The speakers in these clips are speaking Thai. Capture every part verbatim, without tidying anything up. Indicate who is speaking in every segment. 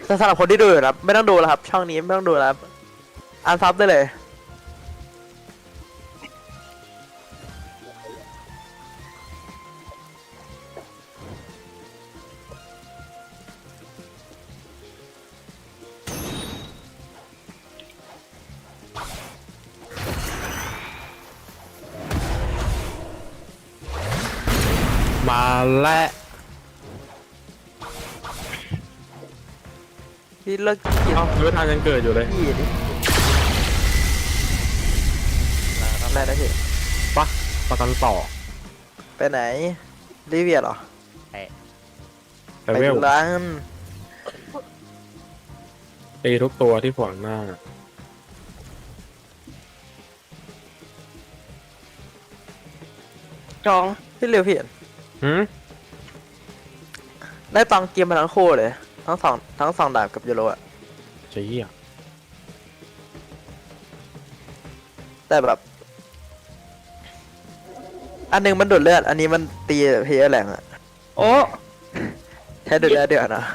Speaker 1: แต่สำหรับคนที่ดูอยู่นะครับไม่ต้องดูแล้วครับ ช่องนี้ไม่ต้องดูแล้วครับอันซับได้เลย
Speaker 2: มาและ
Speaker 1: พี่เลิกกิน
Speaker 2: เอ้าไม่ทานยังเกิดอยู่เลย
Speaker 1: พี่ดิรอบแรกได้พี่
Speaker 2: ปะประกันต่อ
Speaker 1: ไปไหนลิเวียเหรอ
Speaker 2: แต่
Speaker 1: ไป
Speaker 2: เวล
Speaker 1: ดูร้าน
Speaker 2: ตีทุกตัวที่ขวางหน้า
Speaker 3: จอง
Speaker 1: พี่เร็วพี่เห็น
Speaker 2: หืม
Speaker 1: ได้ตังค์เกมมาทั้งคู่เลยทั้งสองทั้งสองดาบกับยูโรอะ
Speaker 2: เชี่ย
Speaker 1: แต่แบบ อันหนึงมันดูดเลือดอันนี้มันตีเพย์แรงอะ
Speaker 3: โอ้
Speaker 1: แค่ดูดเลือดเดือดนะ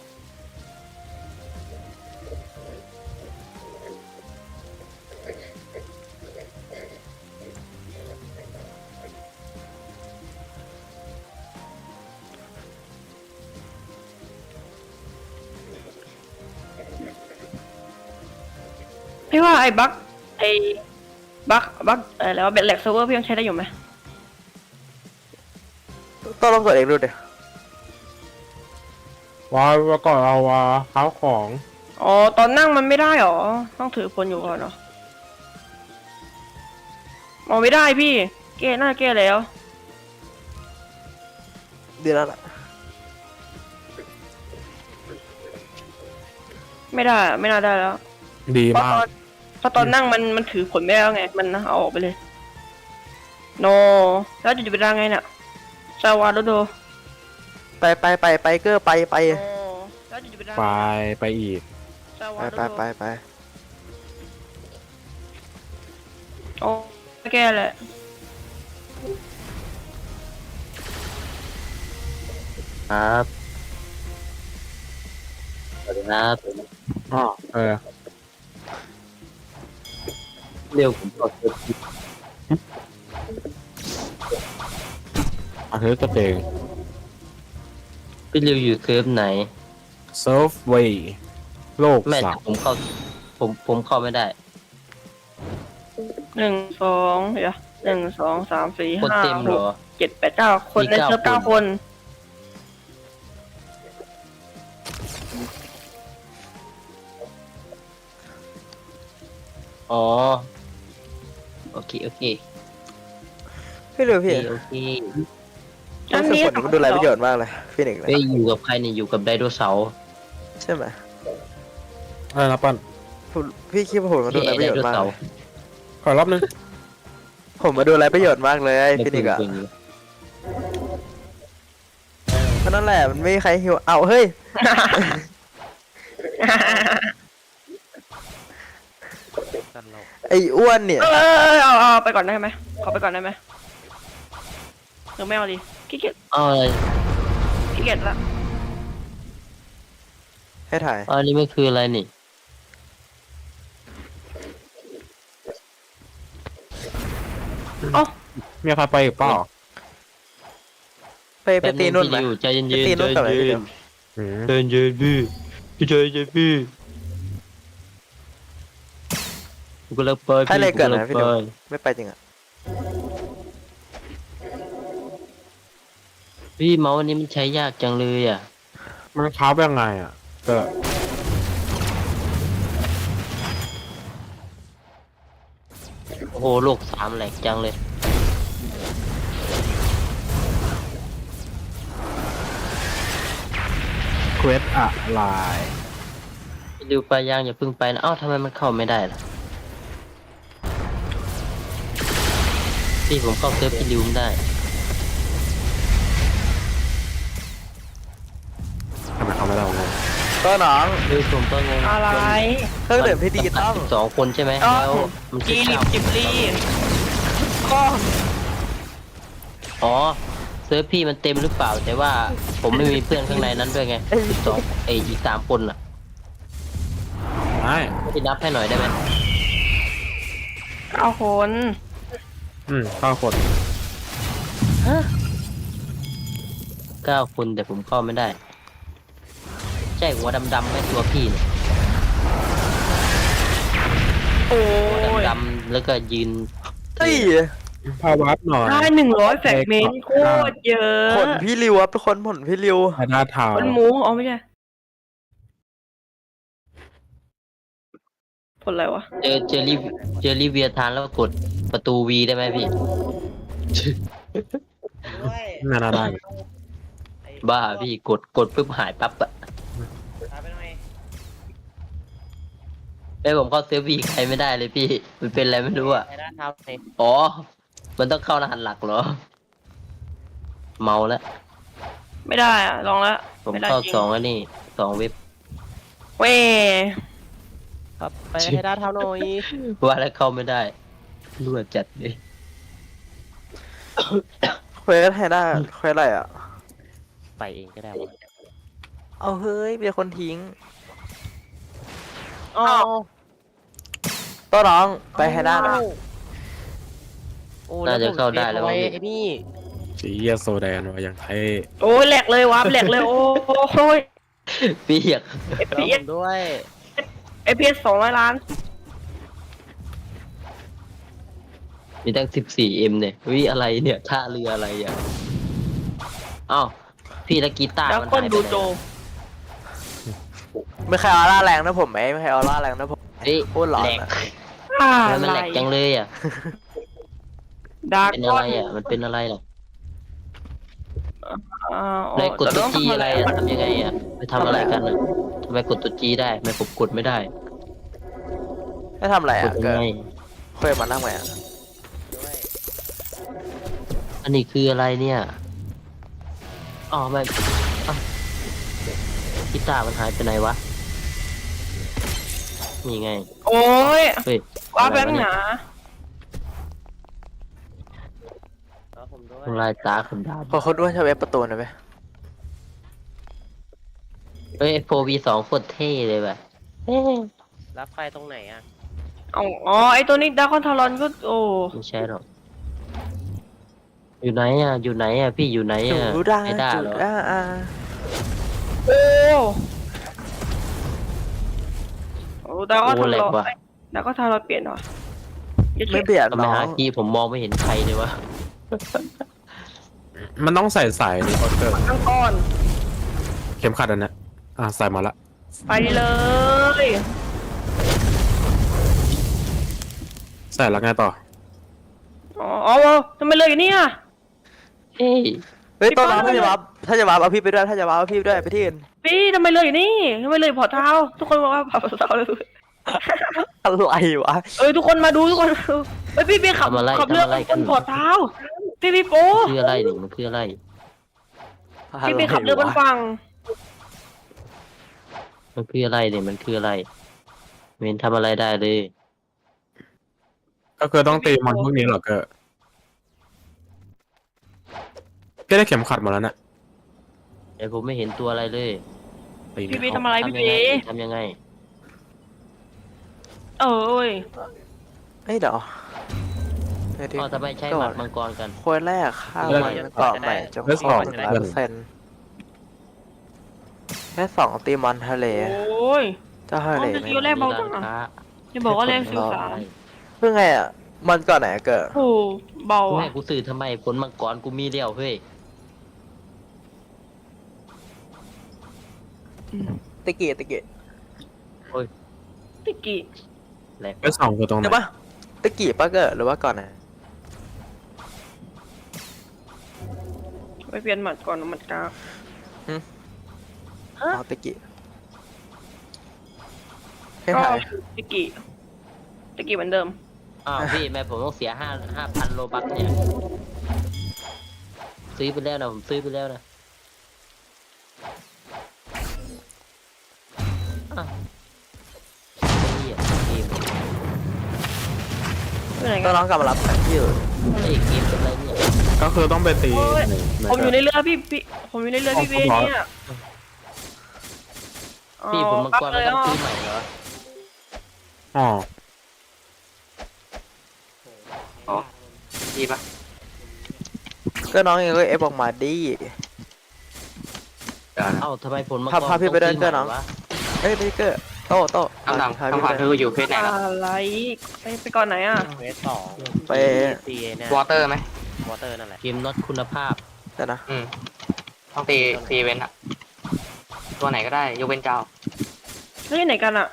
Speaker 3: พี่ว่าไอ้บั๊กไอ้บั๊กบั๊กอะไรวะเบ็ดแหลกเซิร์ฟเวอร์พี่ยังใช้ได้อยู่ไหม
Speaker 1: ต้องลองกดเองดูดิ
Speaker 2: ว้าวว่าก่อนเอาว่าข้าวของ
Speaker 3: อ๋อตอนนั่งมันไม่ได้หรอต้องถือคนอยู่ก่อนเนาะมองไม่ได้พี่แก้หน้าแก้แล้ว
Speaker 1: ดีแล้วล่ะ
Speaker 3: ไม่ได้ไม่น่าได้แล้ว
Speaker 2: ดี
Speaker 3: เพราะ
Speaker 2: มา
Speaker 3: ตอก นเพราะตอนนั่งมันมันถือผลไม่ได้แล้วไงมันเอาออกไปเลยโนแล้วจะไปได้ไงเนี่ยซาวาโดโด
Speaker 1: ไปไปไปไปเกอร์ไปไป
Speaker 3: โนแล้วจะไปได้
Speaker 2: ไปไปอีก
Speaker 3: ซาวา
Speaker 1: ไป
Speaker 3: โด
Speaker 1: ไป
Speaker 3: โด
Speaker 1: ไปไป
Speaker 3: โอ้แก้แหละ
Speaker 4: ครับสวัสดีครับ
Speaker 2: อ๋อเออ
Speaker 4: เรียวผมก็คือ
Speaker 2: อาทิตย์ตัวเอง
Speaker 4: พี่เรียวอยู่เซิร์ฟไหน
Speaker 2: เซิร์ฟเวย์โลก
Speaker 4: แม่
Speaker 2: สา
Speaker 4: แต่
Speaker 2: ม
Speaker 4: ผมเข้าผมผมเข้าไม่ได้
Speaker 3: หนึ่งสองเดี๋ยวหนึ่งสองสามสี่
Speaker 4: คน
Speaker 3: ห้า
Speaker 4: เต็ม
Speaker 3: ห
Speaker 4: เหร
Speaker 3: ก
Speaker 4: อ
Speaker 3: เจ็ดแปดเก้าคน
Speaker 4: มี
Speaker 3: ใน
Speaker 4: เก้า
Speaker 3: เซิร์ฟเก้า
Speaker 4: คน
Speaker 3: คน
Speaker 4: อ๋อโอเคโอเค
Speaker 1: พี่เร็ว
Speaker 4: โอเค
Speaker 1: พี่
Speaker 4: โอเค
Speaker 1: รู้สึกผลมันดูไรประโยชน์มากเลยพี่หนึ่งเลย
Speaker 4: ไปอยู่กับใครเนี่ยอยู่กับไดโนเสาร์
Speaker 1: ใช่ไหม
Speaker 2: อะไรนะปั้น
Speaker 1: ผมพี่คิดว่าผมมาดู
Speaker 4: พี่
Speaker 1: ไร
Speaker 4: ไอ
Speaker 1: ประ
Speaker 4: ได
Speaker 1: โยช
Speaker 4: โน
Speaker 1: น์มาก
Speaker 4: เสา
Speaker 1: เล
Speaker 4: ร์
Speaker 1: ย
Speaker 2: ขอรอบนึง
Speaker 1: ผมมาดูไรประโยชน์มากเลยพี่หนึ่งอะ
Speaker 4: ปืนปืน
Speaker 1: ก็นั่นแหละมันไม่มีใครหิวเอาเฮ้ยไอ้อ้วนเนี่ย
Speaker 3: เออเอาเอาไปก่อนได้ไหมขอไปก่อนได้ไหมหรือไม่เอาดิขี้เกียจ
Speaker 4: เอาอะไร
Speaker 3: ขี้เกียจละ
Speaker 1: ให้ถ่าย
Speaker 4: อันนี้ไม่คืออะไรนี่
Speaker 3: เอ้า
Speaker 2: มีใครไปอีกเปล่า
Speaker 1: ไปไปตีนุ่นไหม
Speaker 4: พี่ริวใจเย็น
Speaker 1: ไป
Speaker 4: ๆ
Speaker 1: ตี
Speaker 4: ใจ
Speaker 1: นุ่นกับอะไรพี่
Speaker 4: เย็
Speaker 1: เดีย
Speaker 4: น
Speaker 1: ว
Speaker 2: อืม
Speaker 4: ใจเย็นพี่พี่ใจเย็นพี่กูกำลังไป
Speaker 1: ให้เลย
Speaker 4: กู
Speaker 1: เกิด
Speaker 4: กำลั
Speaker 1: นะ
Speaker 4: ง
Speaker 1: พี่
Speaker 4: ไป
Speaker 1: เดียวไม่ไปจริงอะ
Speaker 4: พี่เมาส์อันนี้มันใช้ยากจังเลยอ่ะ
Speaker 2: มันค้าบยังไงอ่ะเกิด
Speaker 4: โอ้โหโลกสามแหลกจังเลย
Speaker 2: เควสอะไร
Speaker 4: พี่ริวไปยังอย่าเพิ่งไปนะเอ้าทำไมมันเข้าไม่ได้ล่ะพี่ผมเข้าเซิร์ฟพี่ริวไม่ได้
Speaker 2: ทำไมเขาไม่ได้วะ
Speaker 1: ก็น้อง
Speaker 4: คือผมก็งง
Speaker 3: อะไร
Speaker 1: เครื่องดื่มพี่ดีต้อง
Speaker 4: สองคนใช่ไหม
Speaker 3: อ๋อ
Speaker 4: แล้วมัน
Speaker 3: จี
Speaker 4: ใช้
Speaker 3: ริ
Speaker 4: เก้า
Speaker 3: บจิบลี
Speaker 1: ก็
Speaker 4: อ๋อเซิร์ฟพี่มันเต็มหรือเปล่า แต่ว่าผมไม่มีเพื่อนข้างในนั้นด้วยไงสิบสองไออีกสามคนอ่ะ
Speaker 2: ได้
Speaker 4: พี่นับให้หน่อยได้ไหม
Speaker 3: เอาคน
Speaker 2: อืมเข้าคน
Speaker 4: เก้าคนแต่ผมเข้าไม่ได้ ใช่หัวดำๆไหมตัวพี่เนี่ย
Speaker 3: โอ้
Speaker 4: หัวย ดำๆแล้วก็ยืน
Speaker 1: เฮ้ย
Speaker 2: พาวัดหน่อย
Speaker 3: ได้หนึ่งร้อยแฟกเมนต์โคตรเยอะ
Speaker 1: ผลพี่ริวครับทุกคนผลพี่ริว
Speaker 2: ไฮด้าทาว
Speaker 3: ผลหมูอ๋อไม่ใช่ผลอะไรวะ
Speaker 4: เจอเจอรี่เจอรี่เวียทานแล้วกดประตูวีได้ไหมพี่
Speaker 5: ด้วย
Speaker 2: น่าได้
Speaker 5: ไอ้
Speaker 4: บ้าพี่กดกดปุ๊บหายปั๊บอะ
Speaker 5: ตามไปหน่อย
Speaker 4: ไอ้ผมเข้าเซฟวีใครไม่ได้เลยพี่ มันเป็นอะไรไม่รู้อะ
Speaker 5: ไอ้ด้านเท้าเลย
Speaker 4: อ๋อ มันต้องเข้ารหัสหลักเหรอ เมาแล้ว
Speaker 3: ไม่ได้อะลองแล้ว
Speaker 4: ผม
Speaker 3: ไม่ได้
Speaker 4: เข้า
Speaker 3: จริง
Speaker 4: สองแล้วนี่สองเว็บ
Speaker 3: เว้ย
Speaker 5: ครับไปให้ด้านเท้าหน่อย
Speaker 4: ว่าแล้วเข้าไม่ได้รั่วจัดเลย
Speaker 1: เควสให้ได้เควสอะไรอ่ะ
Speaker 5: ไปเองก็ได้วะ
Speaker 1: เอาเฮ้ยมีคนทิ้ง
Speaker 5: อ้าว
Speaker 1: ต้นน้องไปให้ได้หน่อย
Speaker 5: โอ้
Speaker 4: น่าจะเข้าได้แล้ว
Speaker 5: ไว้
Speaker 4: มั้งพี่
Speaker 5: ไอ้นี่
Speaker 2: สีเยียโซแดนวะอย่างไทย
Speaker 3: โอ้ยแหลกเลยวับแหลกเลยโอ้ย
Speaker 4: พี่อยาก
Speaker 3: เอฟ
Speaker 5: แล้ว
Speaker 3: พี
Speaker 5: ผ
Speaker 3: เอส
Speaker 5: มด้วย
Speaker 3: เอฟพีเอสสองร้อยล้าน
Speaker 4: มีตั้งสิบสี่เอ็มเนี่ยวิอะไรเนี่ยท่าเรืออะไรอ่ะอ้าวพี่และกีตาร์
Speaker 3: แล้ว
Speaker 4: มัน
Speaker 3: คน
Speaker 4: หายไป
Speaker 3: ดู
Speaker 4: ไหน
Speaker 3: โจ
Speaker 1: ไม่ใครออร่าแรงนะผมไหมไม่ใครออร่าแรงนะผม
Speaker 4: เฮ้ย
Speaker 1: พูดหลอน
Speaker 4: แหลก
Speaker 1: นะ
Speaker 3: อ่า
Speaker 4: ทำไมมันแหลกจังเลยอ่ะ
Speaker 3: ดา
Speaker 4: เป็น
Speaker 3: ก้
Speaker 4: อะ
Speaker 3: อ
Speaker 4: ไร
Speaker 3: น
Speaker 4: อ่ะ มันเป็นอะไรหรอ
Speaker 3: อ่า
Speaker 4: ในกด
Speaker 3: แต่
Speaker 4: ตัว
Speaker 3: ต้อง
Speaker 4: จี
Speaker 3: ทำ
Speaker 4: อะไรอ่ะทำยังไงอ่ะไปทำอะไรกันอ่ะทำไมกดตัวจีได้ทำไมผมกดไม่ได้
Speaker 1: ให้ทำอะไร
Speaker 4: ก
Speaker 1: อ่ะ
Speaker 4: ดยั
Speaker 1: เกิ
Speaker 4: ง
Speaker 1: ด
Speaker 4: ไง
Speaker 1: เคยมานั่งไหมอ่ะ
Speaker 5: ด้วย
Speaker 4: อันนี้คืออะไรเนี่ยอ๋อไม่อ้าวกีตาร์มันหายไปไหนวะนี่ไง
Speaker 3: โอ้ย
Speaker 4: เฮ้ย
Speaker 3: ว่าแบ
Speaker 4: อะไร
Speaker 3: ง
Speaker 4: วะ
Speaker 3: ค์ห
Speaker 4: เนี่ย
Speaker 3: นา
Speaker 5: แล้วผมด้วย
Speaker 4: ทำลายตาคนดาบ
Speaker 1: พอเขาด้วยใช้เว็บประตูหน่อยไหม
Speaker 4: เฮ้ยโฟวีสองโคตรเท่เลยแบบ
Speaker 5: รับไฟตรงไหนอ่ะ
Speaker 3: เอาอ๋อไอตัวนี้ดาคอนทารอนก็โอ้
Speaker 4: ไม่ใช่หรอกอยู่ไหนอ่ะ อยู่ไหนอ่ะ พี่อยู่ไหน
Speaker 1: จุ
Speaker 4: อ่ะ
Speaker 1: ดา
Speaker 4: ไอ้ด้า
Speaker 1: จุ
Speaker 4: เหรอ
Speaker 1: ดาอ่า
Speaker 3: โอ้โอ้ดาคอนทารอนดาคอนทารอนเปลี่ยนเหรออย่า
Speaker 1: ไม่
Speaker 3: เชื่อ
Speaker 1: เบียด
Speaker 4: ทำไม
Speaker 1: น้อ
Speaker 4: หาง กี้ผมมองไม่เห็นใครเลยวะ
Speaker 2: มันต้องใส่สายนี่โอเกอร์
Speaker 3: ตั้งก้อน
Speaker 2: เข็มขัดอันเนี้ยอ่ะใส่มาละ
Speaker 3: ไปเลย
Speaker 2: ใส่แล้วไงต่อ
Speaker 3: อ๋ออ๋อทำไมเลยอย่างนี้อ่ะ
Speaker 4: เฮ้ย
Speaker 1: เฮ้ยต้นน้อง
Speaker 3: พี่
Speaker 1: ถ้า
Speaker 3: ป้า
Speaker 1: จะวับถ้าจะวับเอาพี่ไปด้วยถ้าจะวับเอาพี่ไปด้วยไปที่อื่น
Speaker 3: พี่ทำไมเลยอย่างนี้ทำไมเลยพอเท้า ทุกคนบอกว่าพอเท้าเลย
Speaker 1: อะไรวะ
Speaker 3: เอ้ยทุกคนมาดูทุกคนเฮ้ยพี่พี่ขับ
Speaker 4: ทำอะไร
Speaker 3: ขับเรือ
Speaker 4: ทำอะไร
Speaker 3: บนพอเท้า พี่พี่โป้
Speaker 4: คืออะไรนี่มันคืออะไร
Speaker 3: พี่พี่ขับเรือบนฝั่ง
Speaker 4: มันคืออะไรเนี่ยมันคืออะไรเมนทำอะไรได้เลย
Speaker 2: ก็คือต้องตีมันพวกนี้เหรอเกอร์พี่ได้เข็มขัดหมาแล้วเนี่ย
Speaker 4: แต่ผมไม่เห็นตัวอะไรเลย
Speaker 2: ตี
Speaker 3: พี่
Speaker 2: ไม่
Speaker 3: พี่
Speaker 2: เข้า
Speaker 3: ทำอะไรพี่
Speaker 4: ทำยังไง
Speaker 3: พี่
Speaker 4: ทำยังไง
Speaker 3: เอ้ย
Speaker 1: เฮ้ยเดี๋ยวเดี๋ยวดิ
Speaker 4: อ๋อทำไมใช้หมัดมังกรกัน
Speaker 1: ควรแรกข้าวใหม่เกาะใหม่จะครบหนึ่งร้อยเปอร์เซ็นต์แค่สองตีมอนทะเล
Speaker 3: โอ้ย
Speaker 1: เจ้าทะเล
Speaker 3: อ๋อ
Speaker 1: ไม่
Speaker 3: เดี๋ยวแรกเบาจังอะ
Speaker 4: มีร้นค้
Speaker 3: อย่าบอกว่าแรงสื่อสาร
Speaker 1: เพิ่งไงอ่ะมันก่อนไหนอะเกิด
Speaker 3: โอ้เบา
Speaker 4: กู
Speaker 3: อ่ะ
Speaker 4: ให้กูสื่อทำไมผลมังกรกูมีเดียวเฮ้ย
Speaker 1: ตะกี้ตะกี้
Speaker 3: ติกี้
Speaker 4: แหลก
Speaker 2: ไปสองคือตรงไหน
Speaker 1: เดี๋ยวปะตะกี้ปะเกิดหรือว่าก่อนไหน
Speaker 3: ไปเปลี่ยนหมัดก่อนหมัดกลาง
Speaker 1: อ๋อตะกี้ให้
Speaker 3: ก็
Speaker 1: ถ่าย
Speaker 3: ติกี้ติกี้เหมือนเดิม
Speaker 4: อ้าวพี่แม่ผมต้องเสียห้าห้าพันโลบัคเนี่ยซื้อไปแล้วนะผมซื้อไปแล้วนะอ้าวเหี้ยเกม
Speaker 3: อยู่ไหน
Speaker 1: ต้
Speaker 3: กั
Speaker 1: อง
Speaker 3: น
Speaker 1: น้องกลับมารับที่อื่น
Speaker 4: ไอ้เกมเป็นไรเนี่ย
Speaker 2: ก็คือต้องไปตี
Speaker 3: โอ้ย
Speaker 2: หนึ่ง
Speaker 3: ผมอยู่ในเรือพี่พี่ผมอยู่ในเรือพี่เบเนี่ย
Speaker 4: พี่ผมมังกร
Speaker 3: เล
Speaker 4: ไม่
Speaker 3: ย
Speaker 4: ต้อง
Speaker 3: อ่ะ
Speaker 4: ซื้อใหม่เหรอ
Speaker 2: อ๋อ
Speaker 6: อ๋อดีปะ
Speaker 1: ก็น้องเองก็เอฟออกมาดิ
Speaker 6: เดี๋ยวนะ
Speaker 4: เอ้าทำไมผลมังก
Speaker 1: พาร พาพี่ไปด้วย
Speaker 4: ต้
Speaker 1: เกอร์
Speaker 4: ซื้
Speaker 1: น้อง
Speaker 4: ใหม่วะ
Speaker 1: เฮ้ยพี่เกอร์โต้โต้
Speaker 6: คำถาม
Speaker 1: พา
Speaker 6: คำถาม
Speaker 1: พี่
Speaker 6: คืออยู่เฟสไหนล่ะ
Speaker 3: อะไรไปไปก่อนไหนอ่ะ
Speaker 5: เวสสอง
Speaker 1: ไป
Speaker 5: ตีเนี่ยว
Speaker 6: อเตอร์ไหม
Speaker 5: วอเตอร์นั่นแหละ
Speaker 4: เกมน็อตคุณภาพ
Speaker 1: แต่นะ
Speaker 6: อืมต้องตีตีเว้นอะตัวไหนก็ได้ยกเว้นเจ้า
Speaker 3: เฮ้ยไหนกันอ่ะ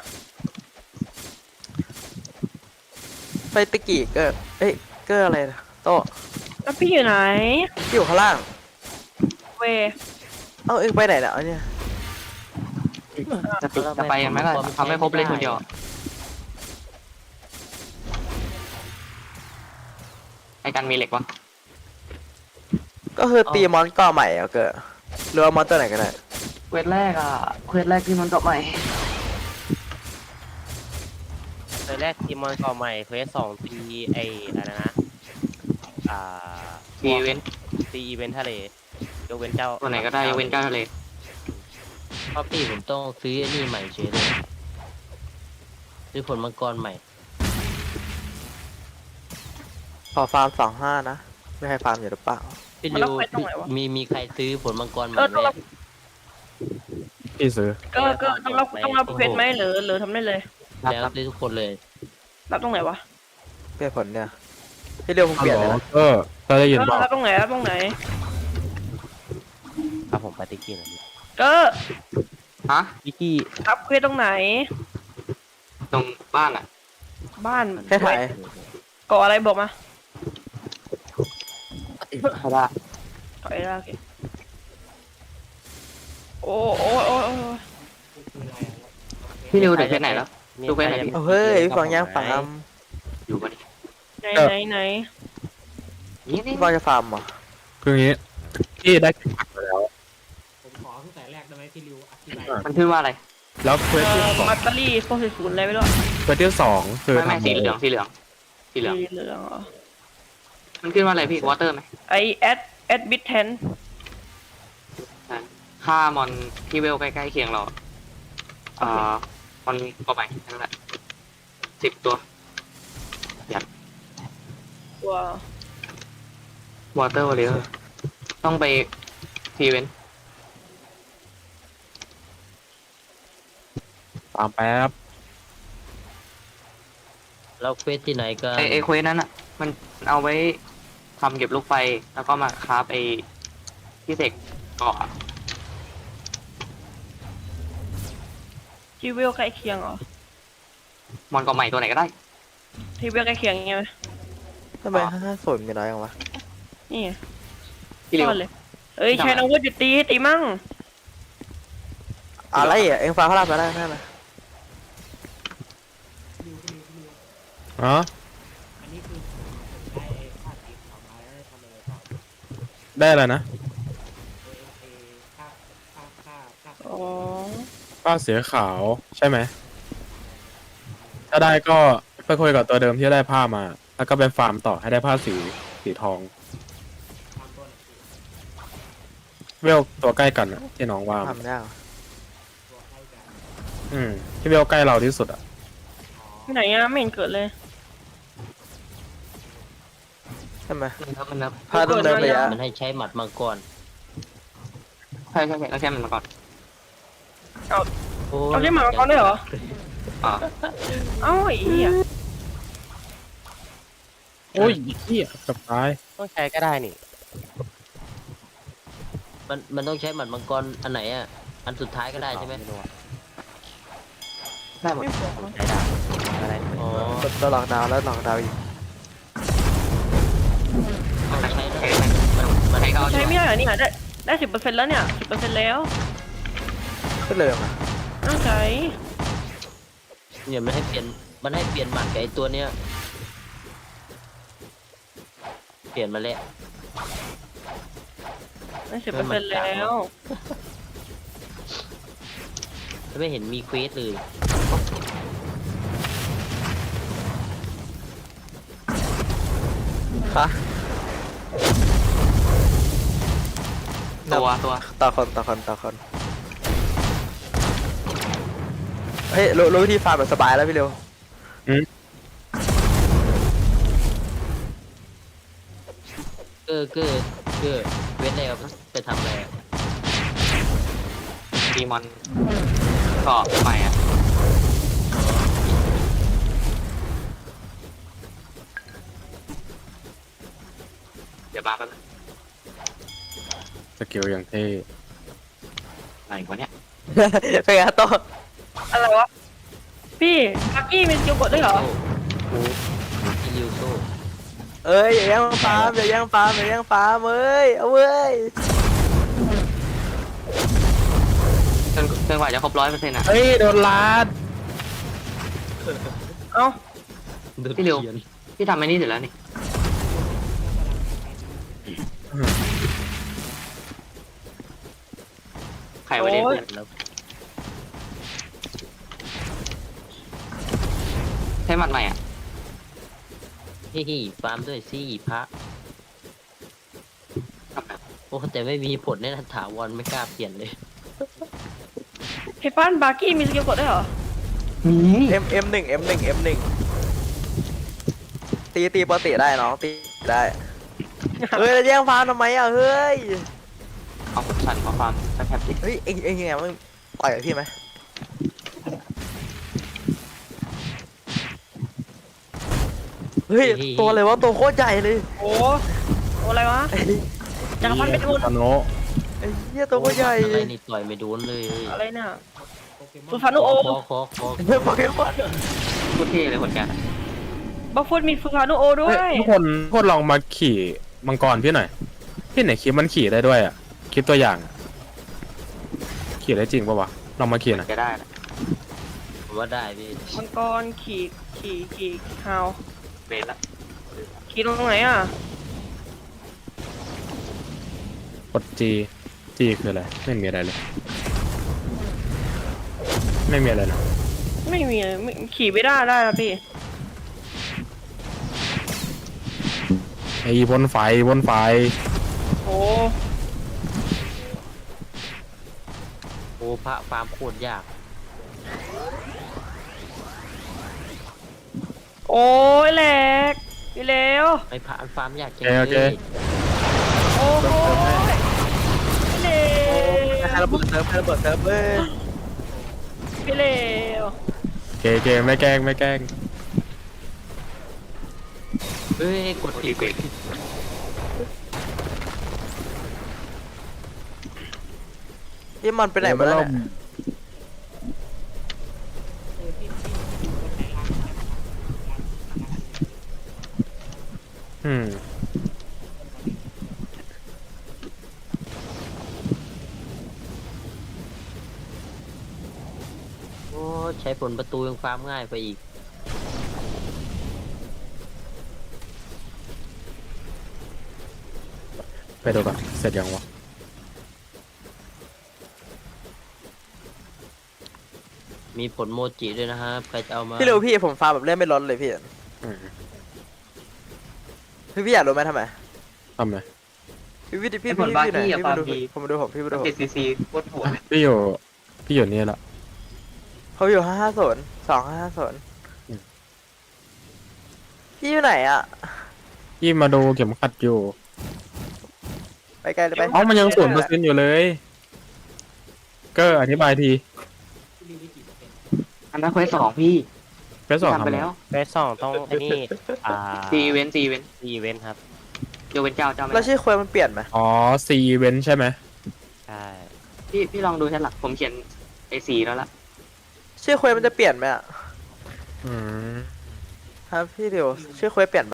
Speaker 1: ไปตะกี้เกอร์เอ้ยเกอร์อะไรนะโต้
Speaker 3: แล้วพี่อยู่ไหน
Speaker 1: ที่อยู่ข้างล่าง
Speaker 3: เว
Speaker 1: เอ้าเอ็งไปไหนเนี่ยเอาเนี่ย
Speaker 6: จะติดจะไปกันไหมล่ะทำให้ครบเลยคนเดียวไอ้กันมีเหล็กวะ
Speaker 1: ก็คือตีมอนก่อใหม่อะเกอร์หรือว่ามอนตัวไหนก็ได้
Speaker 6: เควสแรกอ่ะเควสแรกที่มันก็ใหม่
Speaker 5: เควสแรกทีมมอนก่อใหม่เควสสองตีไอ้อะไรนะอ่า
Speaker 6: ตีเว้น
Speaker 5: ตีอีเวนท์ทะเลยกเว้นเจ้า
Speaker 6: ตัวไหนก็ได้ยกเว้นเจ้าทะเล
Speaker 4: เพราะพี่ผมต้องซื้อไอ้นี่ใหม่เฉยเลยซื้อผลมังกรใหม่
Speaker 1: ขอฟาร์มสองห้านะไม่ให้ฟาร์มอยู่หรือเปล่า
Speaker 4: พี่
Speaker 3: มัน
Speaker 4: ริ
Speaker 3: รั
Speaker 4: ว
Speaker 3: บไปตรงไหนวะ
Speaker 4: มีมีใครซื้อผลมังกรใหม่
Speaker 3: เออ
Speaker 4: ไห
Speaker 3: ต้อง
Speaker 4: ม
Speaker 3: รับ
Speaker 2: พี่ซื้อ
Speaker 3: ก็ก็ต้องรับต้องรับเควสไหมหรือหรือทำได้เลย
Speaker 6: รับ
Speaker 4: แล้ว
Speaker 6: รับ
Speaker 4: ซื้อทุกคนเลย
Speaker 3: รับตรงไหนวะ
Speaker 1: เปลี่ยนผลเนี่ยพี่เรียวผมเปลี่ยนเลยนะ
Speaker 2: เออเราได้ยิน
Speaker 3: เอ
Speaker 2: เปล่า
Speaker 3: อรับตรงไหนรับตรงไหน
Speaker 5: ครับผมไปติกี้หน่อย
Speaker 3: ก็
Speaker 6: ฮะ
Speaker 5: ติกี้
Speaker 3: รับเควสตรงไหน
Speaker 6: ตรงบ้านอ่ะ
Speaker 3: บ้าน
Speaker 1: แค่ถ่าย
Speaker 3: ก่ออะไรบอกมา
Speaker 6: เขาได้
Speaker 3: ก่ออะไรโอเคโอ้โอ้โอ้โอ้
Speaker 6: พี่ริวถึงเควสไหนแล้ว
Speaker 5: มี
Speaker 6: ดูเควสไหน
Speaker 5: ใคร
Speaker 6: พี่
Speaker 5: จะ
Speaker 1: เอาเฮ้ยฟังยังฟาร์ม
Speaker 6: อยู่ปะนี่
Speaker 3: ไหนไหนไหน
Speaker 6: นี่นี่
Speaker 1: พี่ฟังจะฟาร์มเหรอ
Speaker 2: คืออย่างงี้พี่ได้เข็มขัดมาแล้ว
Speaker 7: ผมขอตั้งแต่แรกได้ไหมที่ริวอธิบาย
Speaker 6: มันขึ้นว่าอะไร
Speaker 2: แล้วเควส
Speaker 3: เอ่
Speaker 2: ที่
Speaker 3: อ
Speaker 2: สอง
Speaker 3: มัตเตอรี่โฟร์ศูนย์อะไรไม่รู้
Speaker 2: เควสที่สองคือ
Speaker 6: ไม่ไม่
Speaker 2: ทำ
Speaker 6: สีเหลืองสีเหลืองสีเหลือง
Speaker 3: สีเหลืองเหรอ
Speaker 6: มันขึ้นว่าอะไรพี่วอเตอร์ไหม
Speaker 3: ไอแอดแอดบิทแทน
Speaker 6: ค่ามอนที่เวลใกล้ๆเคียงเราอ่ามอนก็ไปนั่นแหละสิบตัว
Speaker 3: ตัว
Speaker 6: วอเตอร์วอลเลอร์ต้องไปทีเวน
Speaker 2: ตามแป๊บ
Speaker 4: แล้วเควสที่ไหนกัน
Speaker 6: ไอไอเควสนั้นอ่ะ มันเอาไว้ทำเก็บลูกไฟ แล้วก็มาคราฟไอที่เสกเกาะ
Speaker 3: ทีเวลใกล้เคียงเหรอ
Speaker 6: มอนเกาะใหม่ตัวไหนก็ได้
Speaker 3: ทีเวลใกล้เคียงยังไงไหม
Speaker 1: ทำไมห้าศูนย์มีน้อยจังวะ
Speaker 3: นี่ไง
Speaker 6: พี่ริว
Speaker 3: ซ่อนเลยเอ้ยใช้น้องวุฒิตีตีมั่ง
Speaker 1: อะไรอ่ะเอ็งฟังเขารับมาได้นั่นนะ
Speaker 2: อ๋อ
Speaker 7: อันนี้คือได้ค่าสีขาวมาแล้วได้ทำอะไรต่อ
Speaker 2: ได้อะไรนะ
Speaker 7: เอเอค่าค่าค่าค่า
Speaker 3: อ๋อ
Speaker 2: ป้าเสียขาวใช่ไหมถ้าได้ก็ไปคุยกับตัวเดิมที่ได้ผ้ามา แล้วก็ไปฟาร์มต่อให้ได้ผ้าสีสีทอง
Speaker 7: ทำต้น
Speaker 2: เวลตัวใกล้กันอะที่น้องว่ามา
Speaker 1: ทำยาก
Speaker 7: ตัวใกล้กัน
Speaker 2: อืมที่เวลใกล้เราที่สุดอ่ะ
Speaker 3: ที่ไหนอะไม่เห็นเกิดเลย
Speaker 1: ใช่ไหม
Speaker 6: มันนับมันนับ
Speaker 1: พาต้องเดินระยะ
Speaker 4: มันให้ใช้หมัดมังกร
Speaker 6: ใช่ใช่ใช่แล้วแค่มันมาก่อน
Speaker 4: โอ้ย
Speaker 3: เอาได้หมาเขาด้วยเหรอ
Speaker 6: อ่า
Speaker 3: เอ้าไอ้เหี้ย
Speaker 2: โอ้ยเหี้ยเกับตาย
Speaker 5: ต้องใช้ก็ได้นี่
Speaker 4: มันมันต้องใช้หมัดมังกรอันไหนอ่ะ อันสุดท้ายก็ได้ใช่ไหม
Speaker 5: รู้อะ
Speaker 6: ได้หมด
Speaker 3: ไม่บอกนะ
Speaker 5: ใช้ได้อะไร
Speaker 4: อ๋อ
Speaker 1: ตัวหลอกดาวน์แล้วหลอกดาวน์อีก
Speaker 4: ต้องใช้
Speaker 6: ใช้
Speaker 4: แล้ว
Speaker 6: มัน
Speaker 4: มัน
Speaker 6: ใช้ก็เอา
Speaker 3: ใช้
Speaker 6: ดี
Speaker 3: ไม่
Speaker 6: กว่า
Speaker 3: ได้เหรอเนี่ยได้ได้สิบเปอร์เซ็นต์แล้วเนี่ยสิบเปอร์เซ็นต์แล้ว
Speaker 1: ขึ้นเลยมา
Speaker 3: ต้องใช้
Speaker 4: เนี่ยมันให้เปลี่ยนมันให้เปลี่ยนหมัดกับไอตัวเนี้ย เปลี่ยนมาแล้ว
Speaker 3: ได้สิบเปอร์เซ็นต์แล้ว
Speaker 4: ไม่เห็นมีเควสเลย
Speaker 1: ค่ะ
Speaker 6: ตัวตัว
Speaker 1: ต่อคนต่อคนต่อคนเฮ้ยรู้รู้วิธีฟาร์มแบบสบายแล้วพี่เร็ว
Speaker 4: เกอร์เกอร์เกอร์เวทแล้วไปทำอะไรอะ
Speaker 6: ดีมอนเกาะใหม่อ่ะเดี๋ยวมาแป๊บนึง
Speaker 2: สกิลอย่างเท่
Speaker 6: อะไรกว่าเนี้ย
Speaker 1: เป็นไงโต
Speaker 3: อะไรวะ พี่บักกี้มีสกิลกดด้วยเหรอ
Speaker 4: โอ้โหอิลิวโซ
Speaker 1: เอ้ยอย่าแย่งฟาร์มอย่าแย่งฟาร์มอย่าแย่งฟาร์มเอ้ยเอาเว้ย
Speaker 6: จนจนกว่าจะครบร้อยเปอร์เซ็นต์อ่ะ
Speaker 2: เฮ้ยโดนลาด
Speaker 3: เอ้า
Speaker 4: โดน
Speaker 6: พี่เร็ว
Speaker 4: เขียน
Speaker 6: พี่ทำไอ้นี่เสร็จแล้วนี่ใครไว้เล่นเพื่อน
Speaker 4: แล้ว
Speaker 6: ใช้หมัดใหม่อ่ะ
Speaker 4: ฮิฮิฟาร์มด้วยสิพระ
Speaker 6: ทำแบบ
Speaker 4: โอ้แต่ไม่มีผลแน่นอนถาวรไม่กล้าเปลี่ยนเลย
Speaker 3: พี่ปั้นบักกี้มีสกิลกดด้วยเหรอ
Speaker 1: เอ็มเอ็มหนึ่งเอ็มหนึ่งเอ็มหนึ่งตีตีปกติได้น้องตีได้เฮ้ยแล้วแย่งฟาร์มทำไมอ่ะเฮ้ย
Speaker 6: เอาผมสั่นมาความแคบๆสิ
Speaker 1: เฮ้ยเอ็งเอ็งยังไงมึงต่อยกับพี่ไหมเฮ้ยตัวอะไรวะตัวโคตรใหญ่เลย
Speaker 3: โอ้โอ้อะไรวะ
Speaker 1: ไอ้
Speaker 3: จักรพันธ์เป็นทุน
Speaker 2: ตาโน
Speaker 1: ไอ้เหี้ยตัวโคตรใหญ่
Speaker 4: อะไรนี่ต่อยไม่โดนเลย
Speaker 3: อะไรเนี่ย
Speaker 7: โปเกม
Speaker 3: ฟู
Speaker 7: อน
Speaker 3: ฟานุโอ
Speaker 4: ขอขอขอ
Speaker 1: เฮ้ยโปเกมอน
Speaker 6: พูดเท่เลยคนแก
Speaker 3: บัฟฟูดมีฟูฟานุโอด้ว
Speaker 2: เฮ้ย
Speaker 3: ย
Speaker 2: ทุกคนทุกคนลองมาขี่มังกรพี่หน่อยพี่ไหนคลิปมันขี่ได้ด้วยอ่ะคลิปตัวอย่างอะขี่ได้จริงปะวะลองมาขี่หน่อย
Speaker 6: จะได้นะ
Speaker 4: ผมว่าได้พี่
Speaker 3: มังกรขี่ขี่ขี่ฮาว
Speaker 6: เบนละ
Speaker 3: ขี่ตรงไหนอ่ะ
Speaker 2: กดจีจีคืออะไรไม่มีอะไรเลย ไม่มีอะไรนะ
Speaker 3: ไม่มีไม่ขี่ไม่ได้ได้นะพี่
Speaker 2: ไอ้บนไฟบนไฟ
Speaker 3: โอ้
Speaker 4: โอ้พระฟาร์มโคตรยาก
Speaker 3: โอ้ยแหลกพี่เลว
Speaker 4: ไอ้พระฟาร์มยากจัง
Speaker 2: โอเค
Speaker 4: เลย
Speaker 3: โอ้โหพี่เลว
Speaker 1: ใครระเบิดเซิร์ฟใครระเบิดเซิร์ฟเว้ย
Speaker 3: พี่เลว
Speaker 2: เกเกไม่แกล้งไม่แกล้ง
Speaker 4: เฮ้ยกด
Speaker 6: โอ
Speaker 4: ผิ
Speaker 6: เค
Speaker 4: ด
Speaker 6: เกรด
Speaker 1: พี่มันไปไหนมาแล้วเนี่ย
Speaker 2: อืม
Speaker 4: โอ้ใช้ผลประตูยังฟาร์มง่ายไปอีก
Speaker 2: ไปดูก่อนเสร็จยังวะ
Speaker 4: มีผลโมจิด้วยนะครับใครจะเอามา
Speaker 1: พี่เร็วพี่ผมฟาร์มแบบเล่นไม่ลดเลยพี่
Speaker 2: อืม
Speaker 1: พี่พี่อยากรู้ไหมทำไม
Speaker 2: ทำไม
Speaker 1: พี่พี่พี่
Speaker 6: ไอ้
Speaker 1: พี่
Speaker 6: ผลบ้า
Speaker 1: พี่ไหน
Speaker 6: ที่อ่ะ
Speaker 1: พี่
Speaker 6: ฟา
Speaker 1: มา
Speaker 6: ร์ม
Speaker 1: ดู
Speaker 6: ดี
Speaker 1: ผมมาดูผมพี่มาดูผม
Speaker 6: เจ็ดซีซีโคตรโหดเลย
Speaker 2: พี่อยู่พี่อยู่นี่ละ
Speaker 1: เขาอยู่ห้าห้าศูนย์สองห้าห้าศูนย์
Speaker 2: อืม
Speaker 1: พี่อยู่ไหนอ่ะ
Speaker 2: พี่มาดูเข็มขัดอยู่
Speaker 1: ไปไกลเลยไป
Speaker 2: เอ้ามันยังศูนย์เปอร์เซ็นต์อยู่เลย ก็อธิบายที
Speaker 6: อันนั้นเควสสองพี่
Speaker 2: ไปสอง
Speaker 6: ทำ
Speaker 2: ทำ
Speaker 6: ไป
Speaker 2: ไม
Speaker 6: แล้ว
Speaker 5: เฟสสองต้องไอ้นี่อ่า
Speaker 6: ซีเว้นซีเว้น
Speaker 5: อีเวนต์ครับ
Speaker 6: โยเว้นเจ้าเจ้าไม่
Speaker 1: แล้ว
Speaker 6: ได้
Speaker 1: ชื่อควยมันเปลี่ยนไหม
Speaker 2: อ๋อซีเวนใช่ไหม
Speaker 5: ใช่
Speaker 6: พี่พี่ลองดูแค่หลักผมเขียนไอซีแล้วละ
Speaker 1: ชื่อควยมันจะเปลี่ยนไหมอ่ะ
Speaker 2: อืม
Speaker 1: ครับพี่เร็วชื่อควยเปลี่ยน